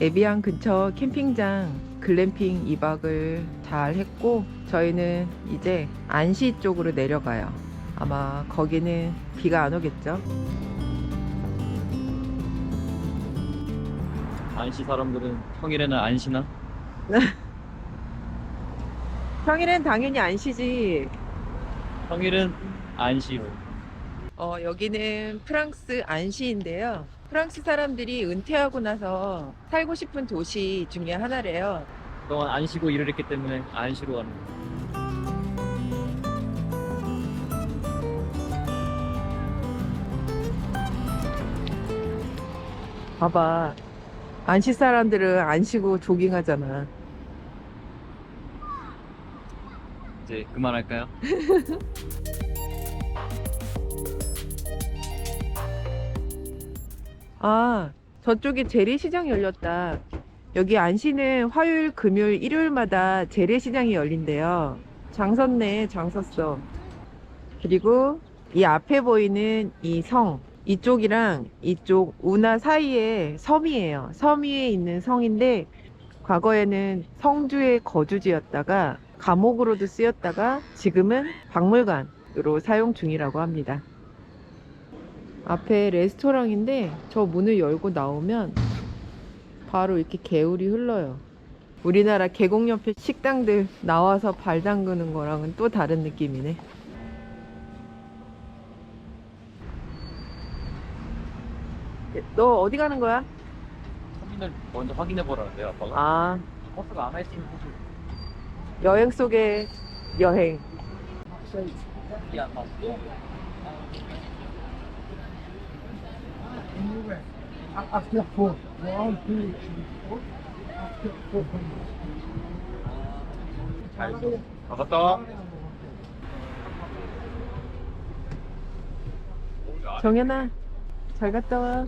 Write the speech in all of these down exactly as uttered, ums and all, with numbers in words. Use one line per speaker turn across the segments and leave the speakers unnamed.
에비앙 근처 캠핑장 글램핑 이 박을 잘 했고, 저희는 이제 안시 쪽으로 내려가요. 아마 거기는 비가 안 오겠죠.
안시 사람들은 평일에는 안 쉬나?
평일엔 당연히 안시지.
평일은 안 쉬고.
어, 여기는 프랑스 안시인데요. 프랑스 사람들이 은퇴하고 나서 살고 싶은 도시 중에 하나래요.
그동안 안 쉬고 일을 했기 때문에 안 쉬러 가는 거야.
봐봐. 안시 사람들은 안 쉬고 조깅하잖아.
이제 그만할까요?
아, 저쪽에 재래시장 열렸다. 여기 안시는 화요일, 금요일, 일요일마다 재래시장이 열린대요. 장 섰네, 장 섰어. 그리고 이 앞에 보이는 이 성, 이쪽이랑 이쪽 운하 사이에 섬이에요. 섬 위에 있는 성인데, 과거에는 성주의 거주지였다가 감옥으로도 쓰였다가 지금은 박물관으로 사용 중이라고 합니다. 앞에 레스토랑인데 저 문을 열고 나오면 바로 이렇게 개울이 흘러요. 우리나라 계곡 옆에 식당들 나와서 발 담그는 거랑은 또 다른 느낌이네. 너 어디 가는 거야?
터미널 먼저 확인해 보라는데요, 아빠가.
아,
버스가 안 할 수 있는 곳을.
여행 속의 여행.
야, 맞고.
After four. One, two, three, four. After four.
잘 있어. 아, 갔다 와.
정연아, 잘 갔다 와.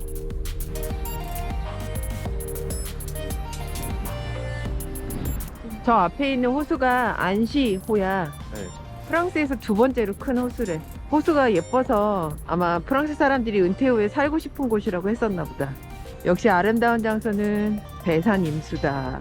저 앞에 있는 호수가 안시호야.
네.
프랑스에서 두 번째로 큰 호수래. 호수가 예뻐서 아마 프랑스 사람들이 은퇴 후에 살고 싶은 곳이라고 했었나 보다. 역시 아름다운 장소는 배산 임수다.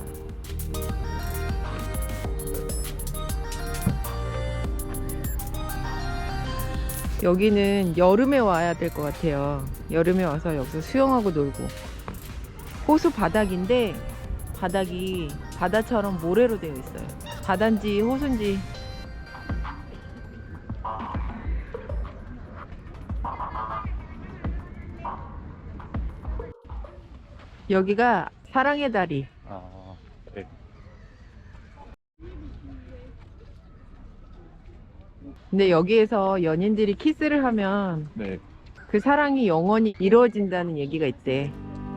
여기는 여름에 와야 될 것 같아요. 여름에 와서 여기서 수영하고 놀고. 호수 바닥인데 바닥이 바다처럼 모래로 되어 있어요. 바다인지 호수인지. 여기가 사랑의 다리.
아, 네.
근데 여기에서 연인들이 키스를 하면
네.
그 사랑이 영원히 이루어진다는 얘기가 있대.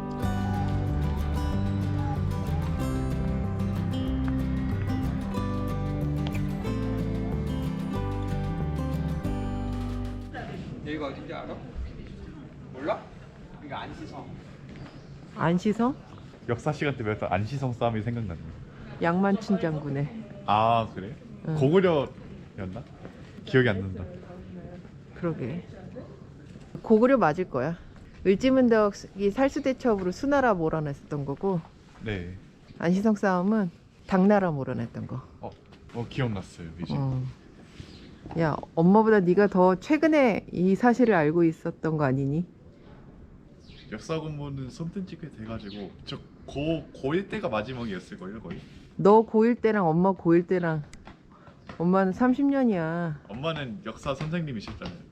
여기가 어딘지 알아? 몰라? 여기가 안시성.
안시성?
역사 시간 때 배웠던 안시성 싸움이 생각나네.
양만춘 장군의.
아 그래?
응.
고구려였나? 기억이 안 난다.
그러게. 고구려 맞을 거야. 을지문덕이 살수대첩으로 수나라 몰아냈었던 거고,
네.
안시성 싸움은 당나라 몰아냈던 거.
어, 어 기억났어요 이제.
어. 야, 엄마보다 네가 더 최근에 이 사실을 알고 있었던 거 아니니?
역사 공부는 손뜬 지꽤 돼가지고 저고 고일 때가 마지막이었을 걸요 거의.
너 고일 때랑 엄마 고일 때랑 엄마는 삼십 년이야.
엄마는 역사 선생님이셨잖아요.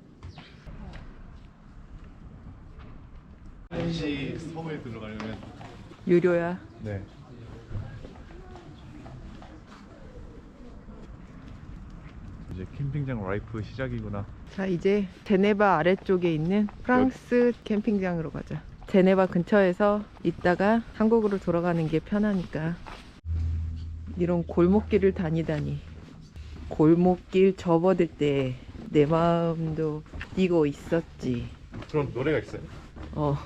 안시 섬에 들어가려면
유료야.
네. 이제 캠핑장 라이프 시작이구나.
자, 이제 제네바 아래쪽에 있는 프랑스 캠핑장으로 가자. 제네바 근처에서 있다가 한국으로 돌아가는 게 편하니까. 이런 골목길을 다니다니. 골목길 접어들 때 내 마음도 뛰고 있었지.
그럼 노래가 있어요?
어.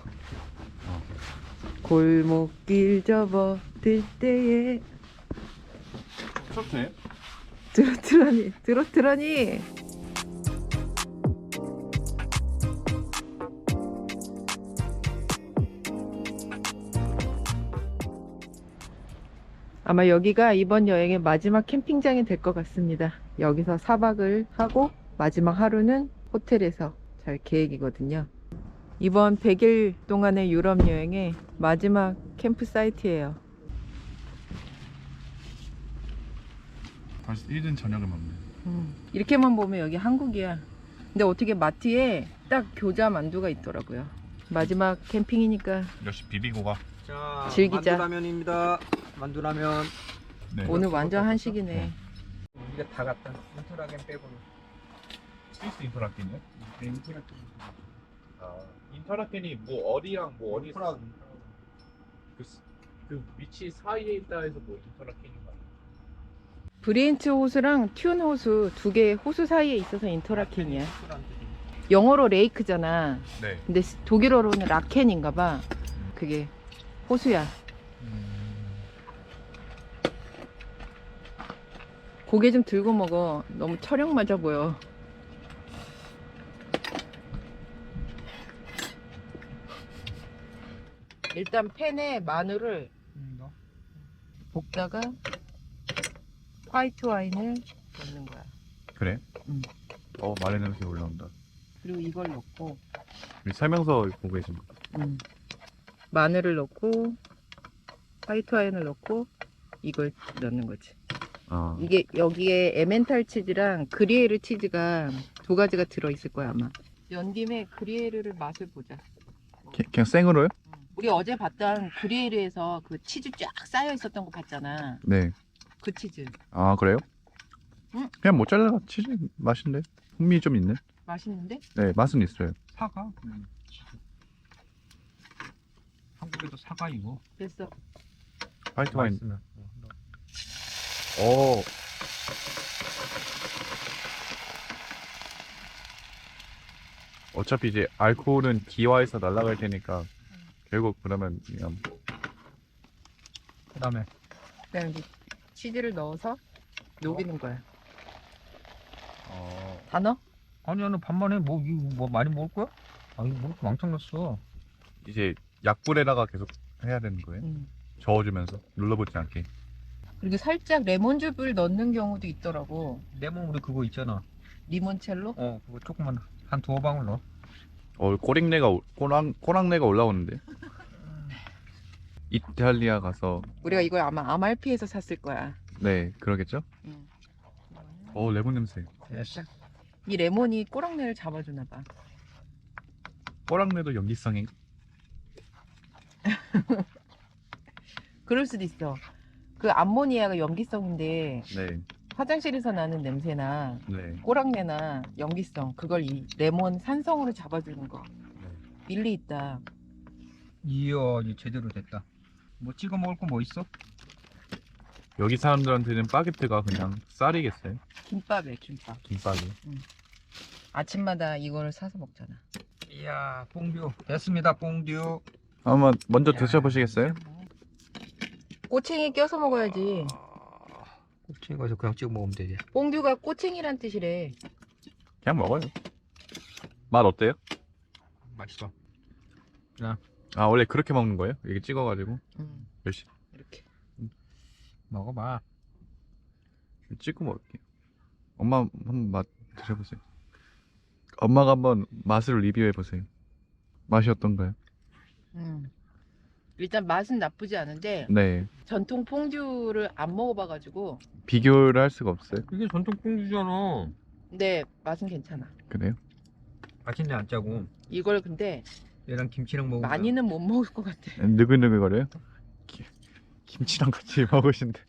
골목길 접어들 때에
트로트네?
트로트라니 트로트라니. 아마 여기가 이번 여행의 마지막 캠핑장이 될 것 같습니다. 여기서 사 박을 하고 마지막 하루는 호텔에서 잘 계획이거든요. 이번 백 일 동안의 유럽 여행의 마지막 캠프 사이트예요.
벌써 일 인 저녁을 먹네.
음, 이렇게만 보면 여기 한국이야. 근데 어떻게 마트에 딱 교자 만두가 있더라고요. 마지막 캠핑이니까
역시 비비고가.
자,
즐기자.
만두라면입니다. 만두라면.
네.
오늘 완전 한식이네.
이게 다 같다. 인터라겐 빼고는.
스위스 인터라켄이요?
네, 인터라겐.
아, 인터라켄이 뭐 어디랑 뭐 어디
인터라.
그, 스- 그 위치 사이에 있다 해서 뭐 인터라켄인가?
브리엔츠 호수랑 튠 호수 두 개 호수 사이에 있어서 인터라켄이야. 영어로 레이크잖아.
네.
근데 스- 독일어로는 라켄인가 봐. 그게 호수야. 고개 좀 들고 먹어. 너무 철형 맞아 보여. 일단 팬에 마늘을 볶다가 화이트 와인을 넣는 거야.
그래?
응.
어, 마늘 냄새 올라온다.
그리고 이걸 넣고
우리 설명서 보고 계신
음. 마늘을 넣고 화이트 와인을 넣고 이걸 넣는 거지.
아,
이게 여기에 에멘탈 치즈랑 그리에르 치즈가 두 가지가 들어 있을 거야 아마. 연 김에 그리에르를 맛을 보자.
그냥 생으로요?
우리 어제 봤던 그리에르에서 그 치즈 쫙 쌓여 있었던 거 봤잖아.
네.
그 치즈
아, 그래요?
응.
그냥 모짜렐라 치즈 맛인데 풍미 좀 있네.
맛있는데?
네, 맛은 있어요.
사과? 음. 한국에도 사과 이거.
됐어.
화이트 와인.
맛있으면.
오. 어차피 이제 알코올은 기화해서 날아갈 테니까 결국 그러면 그냥
그다음에
그다음에 이제 치즈를 넣어서 녹이는 거야.
어,
다 넣어?
아니 나는 반만 해. 뭐 이거 뭐 많이 먹을 거야? 아 이거 뭐 이렇게 왕창 넣었어.
이제 약불에다가 계속 해야 되는 거예요.
응.
저어주면서 눌러보지 않게.
그리고 살짝 레몬즙을 넣는 경우도 있더라고.
레몬 우리 그거 있잖아.
리몬첼로?
어 그거 조금만 한 두어 방울 넣어.
어, 꼬랑내가 올- 꼬랑 꼬랑내가 올라오는데. 이탈리아 가서
우리가 이걸 아마 아말피에서 샀을 거야.
네 그러겠죠?
응.
어 레몬 냄새.
됐어.
이 레몬이 꼬랑내를 잡아주나 봐.
꼬랑내도 연기성이.
그럴 수도 있어. 그 암모니아가 염기성인데
네,
화장실에서 나는 냄새나
네.
꼬랑내나 염기성 그걸 이 레몬 산성으로 잡아주는 거.
네.
일리 있다.
이야 이제 제대로 됐다. 뭐 찍어 먹을 거 뭐 있어?
여기 사람들한테는 바게트가 그냥 쌀이겠어요.
김밥에 김밥.
김밥이.
아침마다 이거를 사서 먹잖아.
이야 뽕듀 됐습니다. 뽕듀.
한번 먼저
야,
드셔보시겠어요?
꼬챙이 껴서 먹어야지.
곱창 가서 그냥 찍어 먹으면 되지.
뽕듀가 꼬챙이란 뜻이래.
그냥 먹어요. 맛 어때요?
맛있어.
아 원래 그렇게 먹는 거예요? 이게 찍어가지고
음,
열심히
이렇게.
먹어봐.
찍고 먹을게요. 엄마 한번 맛 드셔보세요. 엄마가 한번 맛을 리뷰해 보세요. 맛이 어떤가요?
음. 일단 맛은 나쁘지 않은데
네,
전통 퐁듀를 안 먹어봐가지고
비교를 할 수가 없어요.
이게 전통 뽕듀잖아.
근데 맛은 괜찮아.
그래요?
맛있네 안 짜고.
이걸 근데
얘랑 김치랑 먹으면
많이는 못 먹을 것 같아.
느글느글거려요? 기- 김치랑 같이 먹으신데